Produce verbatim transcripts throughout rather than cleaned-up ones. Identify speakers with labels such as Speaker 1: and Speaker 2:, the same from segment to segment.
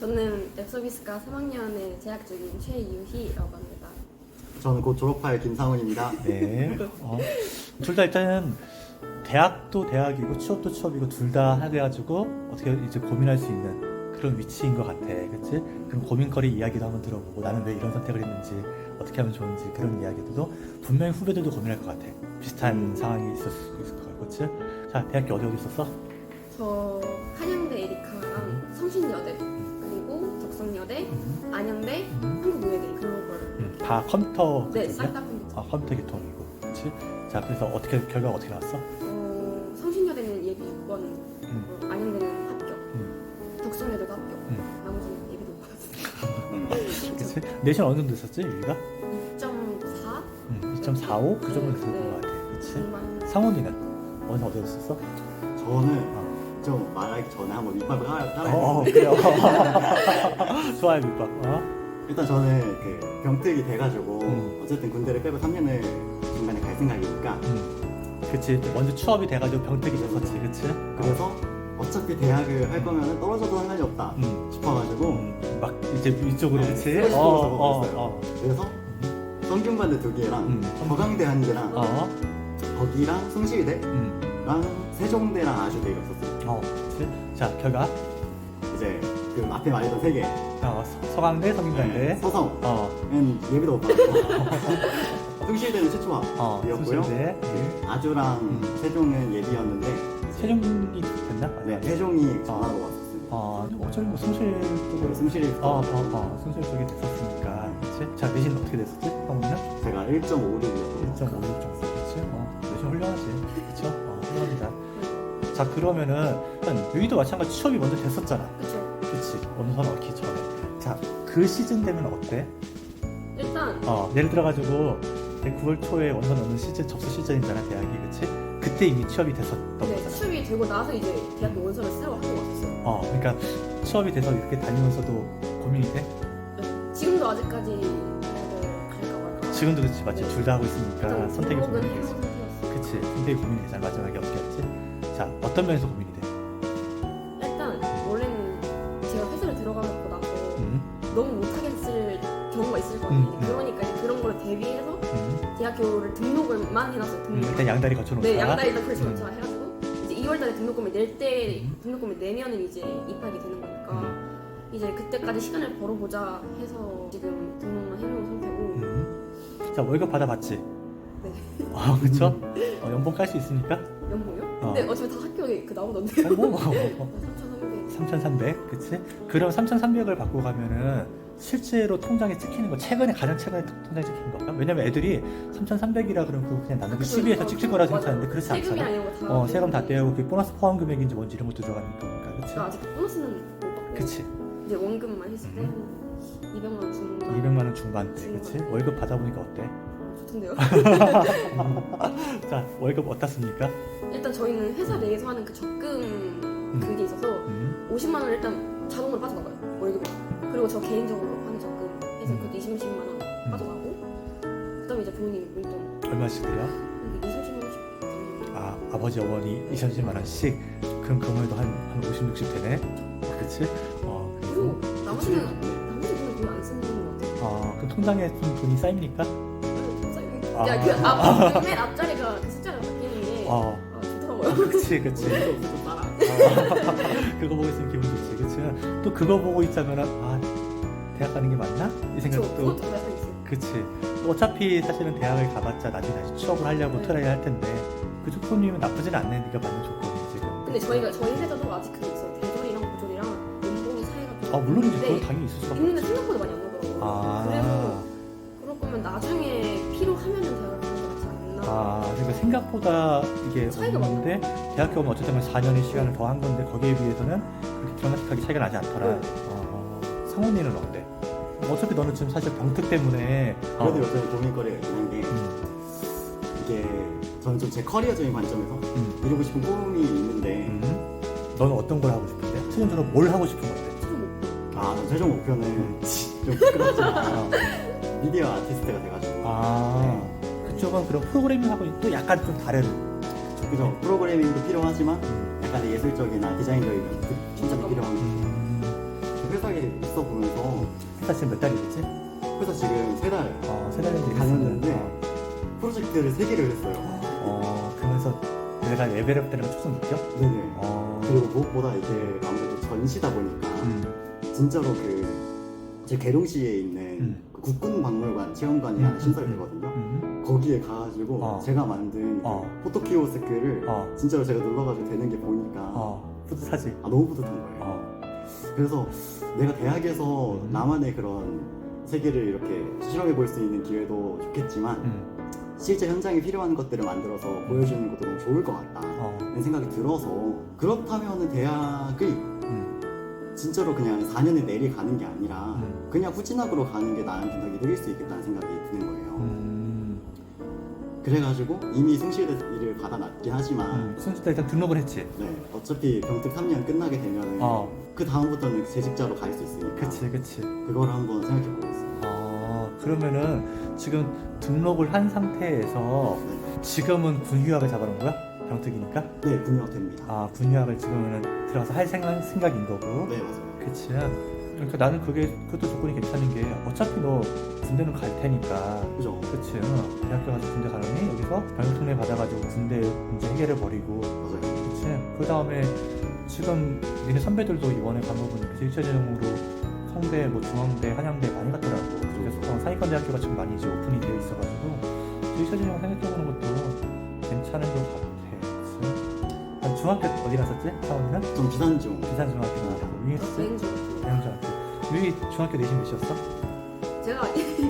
Speaker 1: 저는 웹서비스과 삼 학년에 재학 중인 최유희라고 합니다.
Speaker 2: 저는 곧 졸업할 김상훈입니다.
Speaker 3: 네. 어, 둘 다 일단은 대학도 대학이고 취업도 취업이고 둘 다 해가지고 어떻게 이제 고민할 수 있는 그런 위치인 것 같아. 그치? 그럼 고민거리 이야기도 한번 들어보고 나는 왜 이런 선택을 했는지 어떻게 하면 좋은지 그런 이야기들도 분명히 후배들도 고민할 것 같아. 비슷한 상황이 있을 수 있을 것 같고. 그치? 자, 대학교 어디 어디 있었어?
Speaker 1: 저 한양대 에리카랑 성신여대 그리고 덕성여대,
Speaker 3: 음.
Speaker 1: 안양대,
Speaker 3: 음.
Speaker 1: 한국노예대 그런 걸
Speaker 3: 음, 다 컴퓨터
Speaker 1: 네,
Speaker 3: 그쪽이야?
Speaker 1: 싹 다 컴퓨터.
Speaker 3: 아, 컴퓨터 계통이고. 그치? 자, 그래서 어떻게 결과가 어떻게 나왔어?
Speaker 1: 어, 성신여대는 예비 육 번,
Speaker 3: 음.
Speaker 1: 어, 안양대는 합격,
Speaker 3: 음.
Speaker 1: 덕성여대도 합격,
Speaker 3: 음.
Speaker 1: 나머지는 예비도 못 받았어요.
Speaker 3: 그치? 내신 어느 정도 됐었지, 유리가?
Speaker 1: 이 점 사?
Speaker 3: 음, 이 점 사오? 그 정도 됐었던
Speaker 1: 네.
Speaker 3: 것 같아. 그치?
Speaker 1: 중반.
Speaker 3: 상훈이는 어디서 어디였었어?
Speaker 2: 저는
Speaker 3: 어.
Speaker 2: 좀 말하기 전에 한번 밑밥을 깔아-
Speaker 3: 어,
Speaker 2: 깔아야
Speaker 3: 그래요. 좋아요, 밑밥. 어?
Speaker 2: 일단 저는 그 병특이 돼가지고
Speaker 3: 음.
Speaker 2: 어쨌든 군대를 빼고 삼 년을 중간에 갈 생각이니까
Speaker 3: 음. 그치. 먼저 취업이 돼가지고 병특이 됐었지, 그치?
Speaker 2: 그래서 어차피 대학을 할 거면 떨어져도 상관이 없다
Speaker 3: 음.
Speaker 2: 싶어가지고
Speaker 3: 음. 막 이제 위쪽으로,
Speaker 2: 네,
Speaker 3: 그치?
Speaker 2: 쓰고 싶어서
Speaker 3: 어,
Speaker 2: 먹고 있어요.
Speaker 3: 어,
Speaker 2: 그래서 성균관대 두 개랑
Speaker 3: 음.
Speaker 2: 서강대 한 개랑
Speaker 3: 어.
Speaker 2: 거기랑 숭실대랑
Speaker 3: 음.
Speaker 2: 세종대랑 아주대가 있었어요.
Speaker 3: 어, 그치? 자, 결과.
Speaker 2: 이제 그 앞에 말했던 세 개.
Speaker 3: 어, 서- 서강대, 성균관대.
Speaker 2: 서성은
Speaker 3: 어,
Speaker 2: 예비도 못 받았고 숭실대는 최초합이었고요.
Speaker 3: 어, 수실대.
Speaker 2: 아주랑
Speaker 3: 음.
Speaker 2: 세종은 예비였는데
Speaker 3: 세종이 됐나?
Speaker 2: 네, 세종이 전화로 왔었습니다.
Speaker 3: 어, 어차피 뭐 승실 쪽으로.
Speaker 2: 승실이
Speaker 3: 어, 어, 어, 승실 쪽이 됐었으니까. 그치? 자, 내신 어떻게 됐었지? 성훈이는?
Speaker 2: 제가 일 점 오육이었거든요.
Speaker 3: 일 점 오육 정도. 그치? 어, 내신 훌륭하지. 그쵸? 어, 훌륭합니다. 자, 그러면은, 일단, 유이도 마찬가지 취업이 먼저 됐었잖아.
Speaker 1: 그쵸.
Speaker 3: 그치? 원서 넣기 전에. 자, 그 시즌 되면 어때?
Speaker 1: 일단
Speaker 3: 어, 예를 들어가지고, 구월 초에 원서 넣는 시즌, 접수 시즌이잖아, 대학이. 그치? 그때 이미 취업이 됐었던
Speaker 1: 네,
Speaker 3: 거잖아.
Speaker 1: 취업이 되고 나서 이제 대학교 원서를 쓰러 한국 왔었어요.
Speaker 3: 어, 그러니까, 취업이 돼서 이렇게 다니면서도 고민이 돼?
Speaker 1: 네, 지금도 아직까지 대학을 갈까 말까.
Speaker 3: 지금도 그치, 맞지? 둘 다 하고 있으니까
Speaker 1: 일단
Speaker 3: 선택이
Speaker 1: 등록은
Speaker 3: 고민이
Speaker 1: 해놓은
Speaker 3: 되지.
Speaker 1: 상태였어요.
Speaker 3: 그치, 선택이 고민이 되잖아. 마지막에 어떻게 했지? 자, 어떤 면에서 고민이 돼?
Speaker 1: 일단 원래는 제가 회사를 들어가고 나서
Speaker 3: 음,
Speaker 1: 너무 못하겠을 경우가 있을 거 아니에요.
Speaker 3: 음, 음.
Speaker 1: 그러니까 이제 그런 걸 대비해서
Speaker 3: 음,
Speaker 1: 대학교를 등록을만 해놨어요.
Speaker 3: 음,
Speaker 1: 등록.
Speaker 3: 일단 양다리 거쳐놓자.
Speaker 1: 네, 양다리 일단 그렇죠.
Speaker 3: 음.
Speaker 1: 자 해가지고 이제 이월달에 등록금을 낼 때
Speaker 3: 음.
Speaker 1: 등록금을 내면은 이제 입학이 되는 거니까
Speaker 3: 음.
Speaker 1: 이제 그때까지 시간을 벌어보자 해서 지금 등록만 해놓은 상태고.
Speaker 3: 음. 자, 월급 받아봤지?
Speaker 1: 네.
Speaker 3: 어, 그쵸? 어, 연봉 깔 수 있으니까?
Speaker 1: 연봉요?
Speaker 3: 어.
Speaker 1: 근데 어차피 다 학교에 그 나오던데요.
Speaker 3: 어, 뭐, 어,
Speaker 1: 삼천삼백.
Speaker 3: 삼천삼백, 그치? 그럼 삼천삼백을 받고 가면은 실제로 통장에 찍히는 거, 최근에 가장 최근에 통- 통장에 찍히는 건가? 왜냐면 애들이 삼천삼백이라 그러면 그냥 나는 십이에서 찍힐 거라 생각하는데 그렇지
Speaker 1: 세금이랑
Speaker 3: 않잖아.
Speaker 1: 이런 거다.
Speaker 3: 어, 세금 다 떼고 그 보너스 포함 금액인지 뭔지 이런 것도 들어가는 거니까, 그치?
Speaker 1: 아, 아직 보너스는 못 받고.
Speaker 3: 그치?
Speaker 1: 이제 원금만 했을 때
Speaker 3: 음.
Speaker 1: 한 이백만 원 주는 거.
Speaker 3: 이백만 원 중반대, 그치?
Speaker 1: 중반대.
Speaker 3: 월급 받아보니까 어때?
Speaker 1: 좋던데요.
Speaker 3: 자, 월급 어떻습니까?
Speaker 1: 일단 저희는 회사 내에서 하는 그 적금 그게 있어서
Speaker 3: 음.
Speaker 1: 오십만 원 일단 자동으로 빠져나가요 월급에. 그리고 저 개인적으로 하는 적금 해서
Speaker 3: 음.
Speaker 1: 그것도 이십만 원 빠져나가고 그다음에 이제 부모님 용돈
Speaker 3: 얼마씩 드려?
Speaker 1: 이십만 원씩.
Speaker 3: 아, 아버지 어머니 이십만 원씩? 그럼 그만해도 한, 한 오십, 육십 되네? 그치? 어,
Speaker 1: 그리고
Speaker 3: 그리고
Speaker 1: 나머지는 나머지 돈은 거의 안 쓰는 것 같아요.
Speaker 3: 아, 그럼 통장에 좀 돈이 쌓입니까? 아.
Speaker 1: 야그앞맨 앞자리가 그 숫자가 바뀌는 게
Speaker 3: 어,
Speaker 1: 아, 좋더라고요.
Speaker 3: 그치, 그치.
Speaker 2: 좀 따라.
Speaker 3: 어, 그거 보고 있으면 기분 좋지, 그치? 또 그거 보고 있자면은, 아, 대학 가는 게 맞나? 이
Speaker 1: 저
Speaker 3: 생각도.
Speaker 1: 그것도 약간 있어요.
Speaker 3: 그치. 어차피 사실은 대학을 가봤자 나중에 다시 취업을 하려고
Speaker 1: 네.
Speaker 3: 트라이 할 텐데, 그 조건이면 나쁘진 않네, 네가 받는 조건이 지금.
Speaker 1: 근데 저희가 저희 회사도 아직 그게 있어요. 대졸이랑 고졸이랑 연봉이 차이가 좀
Speaker 3: 아, 물론이지.
Speaker 1: 있는데
Speaker 3: 그건 당연히 있을 수밖에
Speaker 1: 있는데
Speaker 3: 없지.
Speaker 1: 생각보다 많이 안 나더라고요.
Speaker 3: 아.
Speaker 1: 그래서 그럴 거면 나중에 필요하면은 대학을 가는 게 낫지 않나.
Speaker 3: 아, 그러니까 생각보다 이게
Speaker 1: 차이가
Speaker 3: 없는데 대학 가면 어쨌든 사 년의 시간을 더 한 건데 거기에 비해서는 그렇게 드라마틱하게 차이가 나지 않더라.
Speaker 1: 네.
Speaker 3: 어, 성훈이는 어때? 어차피 너는 지금 사실 병특 때문에 어,
Speaker 2: 그래도 요즘 고민거리가 있긴 한 게
Speaker 3: 음,
Speaker 2: 이게 저는 좀 제 커리어적인 관점에서
Speaker 3: 음,
Speaker 2: 이루고 싶은 꿈이 있는데
Speaker 3: 음. 너는 어떤 걸 하고 싶은데? 최종적으로 뭘 하고 싶은 건데?
Speaker 1: 좀
Speaker 2: 아, 전 최종 목표는 좀 부끄럽지만
Speaker 3: 어.
Speaker 2: 미디어 아티스트가 돼가지고
Speaker 3: 아, 그쪽은 그런 프로그래밍하고 또 약간 좀 다른.
Speaker 2: 그죠 프로그래밍도 필요하지만
Speaker 3: 음,
Speaker 2: 약간의 예술적이나 디자인적인 그 진짜 필요한
Speaker 3: 음,
Speaker 2: 회사에 있어 보면서
Speaker 3: 회사 지금 몇 달이겠지?
Speaker 2: 회사 지금 세 달
Speaker 3: 어, 세 달 정도
Speaker 2: 다녔는데
Speaker 3: 일했었는데,
Speaker 2: 프로젝트를 세 개를 했어요.
Speaker 3: 어, 그러면서 내가 레벨업 되는 걸 조금 느껴?
Speaker 2: 네네.
Speaker 3: 어,
Speaker 2: 그리고 무엇보다 이게 아무래도 전시다 보니까
Speaker 3: 음,
Speaker 2: 진짜로 그 제 계룡시에 있는
Speaker 3: 음.
Speaker 2: 그 국군박물관 체험관이
Speaker 3: 음,
Speaker 2: 하나 신설이
Speaker 3: 음,
Speaker 2: 되거든요.
Speaker 3: 음,
Speaker 2: 거기에 가가지고
Speaker 3: 어.
Speaker 2: 제가 만든
Speaker 3: 어.
Speaker 2: 그 포토키오스크를
Speaker 3: 어,
Speaker 2: 진짜로 제가 눌러가지고 되는 게 보니까
Speaker 3: 어, 뿌듯하지?
Speaker 2: 아, 너무 뿌듯한 거예요.
Speaker 3: 어,
Speaker 2: 그래서 내가 대학에서
Speaker 3: 음.
Speaker 2: 나만의 그런 세계를 이렇게 실험해 볼 수 있는 기회도 좋겠지만
Speaker 3: 음,
Speaker 2: 실제 현장에 필요한 것들을 만들어서 보여주는 것도 너무 좋을 것 같다
Speaker 3: 어,
Speaker 2: 라는 생각이 들어서 그렇다면 대학을
Speaker 3: 음,
Speaker 2: 진짜로 그냥 사 년에 내리 가는 게 아니라
Speaker 3: 음.
Speaker 2: 그냥 후진학으로 가는 게 나한테 더 이득일 수 있겠다는 생각이 드는 거예요.
Speaker 3: 음,
Speaker 2: 그래가지고 이미 숭실대를 받아놨긴 하지만
Speaker 3: 음. 순수 일단 등록을 했지?
Speaker 2: 네, 어차피 병특 삼 년 끝나게 되면
Speaker 3: 어,
Speaker 2: 그 다음부터는 재직자로 갈 수 있으니까
Speaker 3: 그치, 그치.
Speaker 2: 그걸 한번 생각해 보겠습니다.
Speaker 3: 어, 그러면은 지금 등록을 한 상태에서
Speaker 2: 네,
Speaker 3: 지금은 군휴학을 잡아놓은 거야? 병특이니까?
Speaker 2: 네 분명 됩니다.
Speaker 3: 아, 군휴학을 지금은 들어가서 할 생각, 생각인 거고.
Speaker 2: 네 맞아요.
Speaker 3: 그치. 그러니까 나는 그게, 그것도 조건이 괜찮은 게 어차피 너 군대는 갈 테니까.
Speaker 2: 그죠?
Speaker 3: 그치. 대학교 가서 군대 가려니 여기서 병역특례 받아가지고 군대 문제 해결을 버리고.
Speaker 2: 맞아요.
Speaker 3: 그치. 그 다음에 지금 니네 선배들도 이번에 간 거 보니까 일차전형으로 성대, 뭐 중앙대, 한양대 많이 갔더라고. 그래서 상위권 대학교가 지금 많이 이제 오픈이 되어 있어가지고 일차전형 생각해보는 것도 괜찮은 것 같아. 그치? 난 중학교 어디 갔었지? 사원이는?
Speaker 2: 좀 비단중.
Speaker 3: 비산중학교 나왔고 위에 있었지?
Speaker 1: 비행중
Speaker 3: 대형중학교. 위 중학교 내신 몇이었어?
Speaker 1: 제가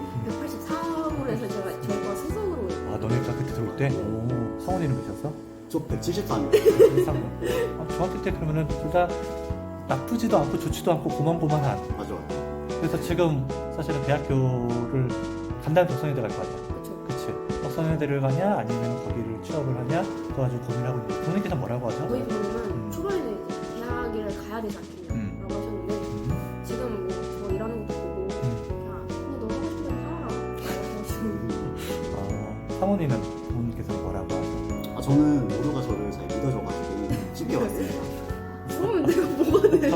Speaker 1: 백팔십사 호에서 제가 저희과 수석으로
Speaker 3: 아 너네가 그때 들어올 때? 오. 성원이는 몇이었어?
Speaker 2: 저 백칠십삼.
Speaker 3: 백삼 호. 아, 중학교 때 그러면은 둘 다 나쁘지도 않고 좋지도 않고 고만고만한.
Speaker 2: 맞아요.
Speaker 3: 그래서 지금 사실은 대학교를 간다면 덕성여대 갈 거 아니야.
Speaker 1: 그렇죠.
Speaker 3: 그치? 덕성여대를 가냐 아니면 거기를 취업을 하냐 그거 가지고 고민하고 있는데 부모님께서 뭐라고 하죠?
Speaker 1: 저희 부모님은
Speaker 3: 음.
Speaker 1: 초반에는 이제 대학을 가야 되지 않겠냐고
Speaker 3: 음.
Speaker 1: 하셨는데
Speaker 3: 음.
Speaker 1: 지금 뭐저 일하는 것도 보고
Speaker 3: 음.
Speaker 1: 그냥 근데 너 하고 싶은 대로 살아라 라고
Speaker 3: 아, 상원이는 부모님께서 뭐라고 하죠?
Speaker 2: 아, 저는 모두가 저를 잘 믿어줘가지고 쉽게 왔습니다.
Speaker 1: 그러면 내가 뭐가 돼?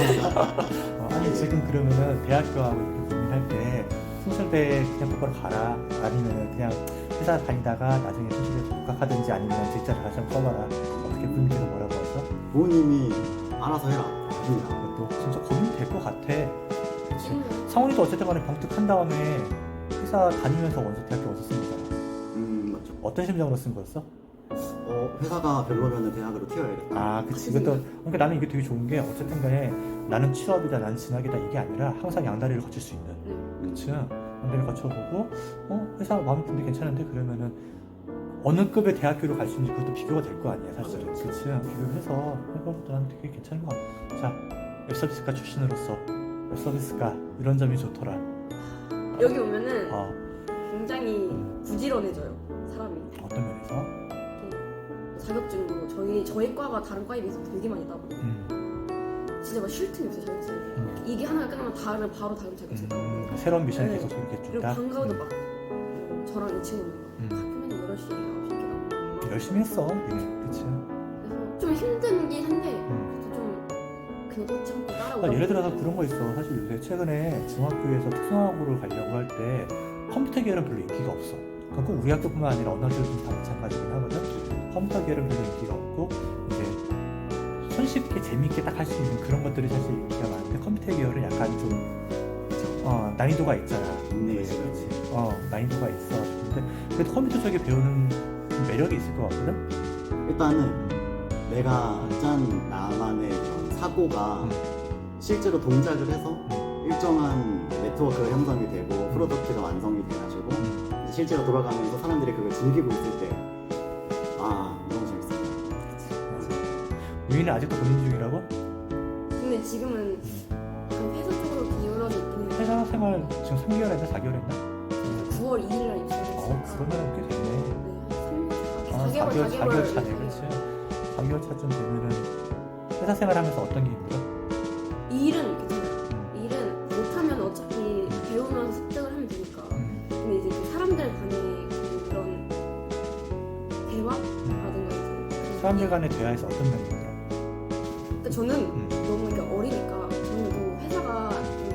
Speaker 3: 어, 아니 지금 그러면은 대학교하고 이렇게 고민할 때 숭실대 그냥 똑바로 가라 아니면 그냥 회사 다니다가 나중에 숭실대 복학하든지 아니면 직장을 다시 한번 써봐라 어떻게 부모님께서 뭐라고 하죠?
Speaker 2: 부모님이 알아서 해라. 합니다.
Speaker 3: 그것도 진짜 고민이 될 것 같아. 그치?
Speaker 1: 음.
Speaker 3: 상원이도 어쨌든 간에 병특한 다음에 회사 다니면서 원서 대학교 원서 쓴 거잖아.
Speaker 2: 음 맞죠.
Speaker 3: 어떤 심정으로 쓴 거였어?
Speaker 2: 어 회사가 별로면은 대학으로 튀어야겠다.
Speaker 3: 아 그치 이것도 그러니까 나는 이게 되게 좋은 게 어쨌든 간에 나는 취업이다 나는 진학이다 이게 아니라 항상 양다리를 거칠 수 있는
Speaker 1: 네.
Speaker 3: 그치 양다리를 거쳐보고 어 회사 마음에 드는데 괜찮은데 그러면은 어느 급의 대학교로 갈 수 있는지 그것도 비교가 될 거 아니야 사실
Speaker 2: 맞아요.
Speaker 3: 그치 비교를 해서 해봐도 난 되게 괜찮은 것 같아. 자 웹서비스과 출신으로서 웹서비스과 이런 점이 좋더라.
Speaker 1: 여기 오면은
Speaker 3: 어
Speaker 1: 굉장히 부지런해져요 사람이.
Speaker 3: 어떤 면에서?
Speaker 1: 자격증도 저희 저희 과가 다른 과에 비해서 되게 많이 따고
Speaker 3: 음,
Speaker 1: 진짜 막 쉴 틈이 없어요 자격증.
Speaker 3: 음.
Speaker 1: 이게 하나가 끝나면 다른 바로 다른 자격증 따고.
Speaker 3: 음, 새로운 미션을
Speaker 1: 네.
Speaker 3: 계속 이렇게
Speaker 1: 그리고
Speaker 3: 준다.
Speaker 1: 방과후도
Speaker 3: 음.
Speaker 1: 막 어, 저랑 이 친구는
Speaker 3: 음.
Speaker 1: 막 학교는 여덟 시 아홉 시 이렇게 나오고
Speaker 3: 열심히 했어 우리는 그치?
Speaker 1: 그래서 좀 힘든긴 한데
Speaker 3: 음.
Speaker 1: 그래도 좀 그냥 또 참고 따라오고.
Speaker 3: 아, 예를 들어서 그런 거 있어. 사실 요새 최근에 중학교에서 특성화고를 가려고 할 때 컴퓨터 계열은 별로 인기가 없어. 그건 꼭 우리 학교뿐만 아니라 어느 학교든 다 마찬가지긴 하거든. 컴퓨터 계열은 별로 인기가 없고 이제 손쉽게 재밌게 딱 할 수 있는 그런 것들이 사실 인기가 많은데 컴퓨터 계열은 약간 좀 어, 난이도가 있잖아.
Speaker 2: 네.
Speaker 3: 그렇지. 어 난이도가 있어. 근데 그래도 컴퓨터 쪽에 배우는 좀 매력이 있을 것 같거든.
Speaker 2: 일단은 내가 짠 나만의 그런 사고가
Speaker 3: 음.
Speaker 2: 실제로 동작을 해서
Speaker 3: 음.
Speaker 2: 일정한 네트워크가 형성이 되고
Speaker 3: 음.
Speaker 2: 프로덕트가 완성이 돼가지고
Speaker 3: 음.
Speaker 2: 이제 실제로 돌아가면서 사람들이 그걸 즐기고 있을 때 아 너무 재밌어요.
Speaker 3: 우리는 아직도 고민 중이라고?
Speaker 1: 근데 지금은 그 회사 쪽으로 기울어져 있긴 해요.
Speaker 3: 회사 생활 지금 삼 개월 했나 사 개월 했나?
Speaker 1: 구월 이일 날
Speaker 3: 어
Speaker 1: 입사했으니까
Speaker 3: 그러면 꽤 됐네.
Speaker 1: 네,
Speaker 3: 아,
Speaker 1: 한 삼 년, 사 개월, 사 개월
Speaker 3: 차네,
Speaker 1: 이렇게.
Speaker 3: 그렇지. 사 개월 차쯤 되면은 회사 생활하면서 어떤 게 힘들어?
Speaker 1: 일은 괜찮아요. 일은 못하면 어차피 배우면서 습득을 하면 되니까.
Speaker 3: 음,
Speaker 1: 근데 이제 그 사람들 간의 그런 대화라든가 이제
Speaker 3: 사람들 간의 대화에서 어떤 면이 힘들어?
Speaker 1: 그러니까 저는
Speaker 3: 음,
Speaker 1: 너무 이렇게 어리니까 저는 뭐 회사가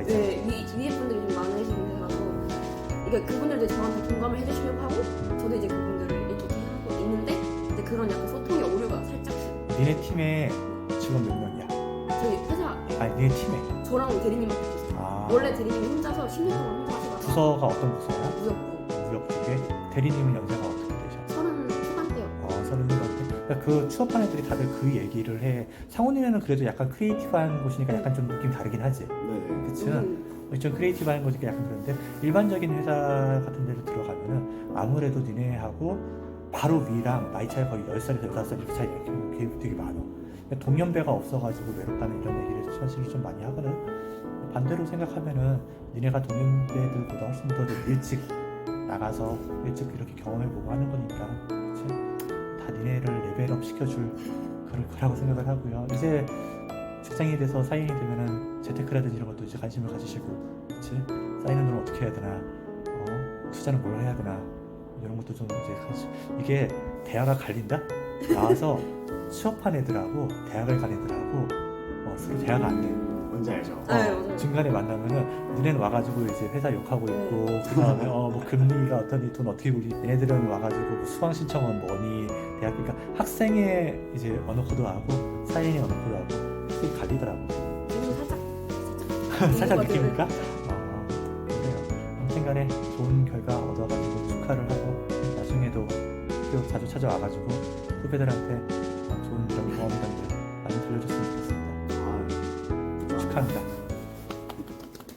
Speaker 1: 네, 위, 위에 분들이 좀 많으신 회사라서 이게 그분들도 저한테 공감을 해주시려고 하고 저도 이제 그분들을 이렇게 하고 있는데 이제 그런 약간 소통의 오류가 살짝씩
Speaker 3: 니네 팀에 직원 몇 명이야?
Speaker 1: 저희 회사
Speaker 3: 아니 니네 팀에
Speaker 1: 저랑 대리님한테 비슷해요.
Speaker 3: 아,
Speaker 1: 원래 대리님이 혼자서 십 년 동안 혼자 하시다가
Speaker 3: 부서가 어떤 부서야?
Speaker 1: 무역부
Speaker 3: 무역 쪽에 대리님은 연세가 어떻게 되셔?
Speaker 1: 서른 초반대요.
Speaker 3: 어, 서른 살 그러니까 그 취업한 애들이 다들 그 얘기를 해. 상훈이는 그래도 약간 크리에이티브한 곳이니까 약간 좀 느낌 다르긴 하지.
Speaker 2: 네네.
Speaker 3: 그치?
Speaker 1: 음,
Speaker 3: 좀 크리에이티브한 거니까 약간 그런데 일반적인 회사 같은 데로 들어가면은 아무래도 니네하고 바로 위랑 나이 차이 거의 열 살에서 여덟 살 이렇게 차이 이렇게 되게 많아. 그러니까 동년배가 없어가지고 외롭다는 이런 얘기를 사실 좀 많이 하거든. 반대로 생각하면은 니네가 동년배들보다 훨씬 더 일찍 나가서 일찍 이렇게 경험해보고 하는 거니까 그치? 다 니네를 레벨업 시켜줄 그럴 거라고 생각을 하고요. 이제 직장인이 돼서 사인이 되면은 재테크라든지 이런 것도 이제 관심을 가지시고, 그치? 쌓이는 돈을 어떻게 해야 되나, 어, 투자는 뭘 해야 되나, 이런 것도 좀 이제 관심. 이게 대화가 갈린다? 나와서 취업한 애들하고 대학을 간 애들하고 어, 서로 대화가 안 돼.
Speaker 2: 뭔지 알죠?
Speaker 1: 네, 맞아요.
Speaker 3: 중간에 만나면은 너네는 와가지고 이제 회사 욕하고 있고 그 다음에 어뭐 금리가 어떠니 돈 어떻게 굴리 얘네들은 와가지고 뭐 수강 신청은 뭐니 대학 그러니까 학생의 이제 언어 코드하고 사회인의 언어 코드하고 그게 갈리더라고.
Speaker 1: 지금 살짝
Speaker 3: 살짝
Speaker 1: 것 같아요.
Speaker 3: 느낍니까? 어, 그래요. 아무튼간에 좋은 결과 얻어가지고 축하를 하고 나중에도 또 자주 찾아와가지고 후배들한테 좋은 이런 경험담들 많이 들려줬으면 좋겠습니다.
Speaker 2: 아,
Speaker 3: 축하합니다.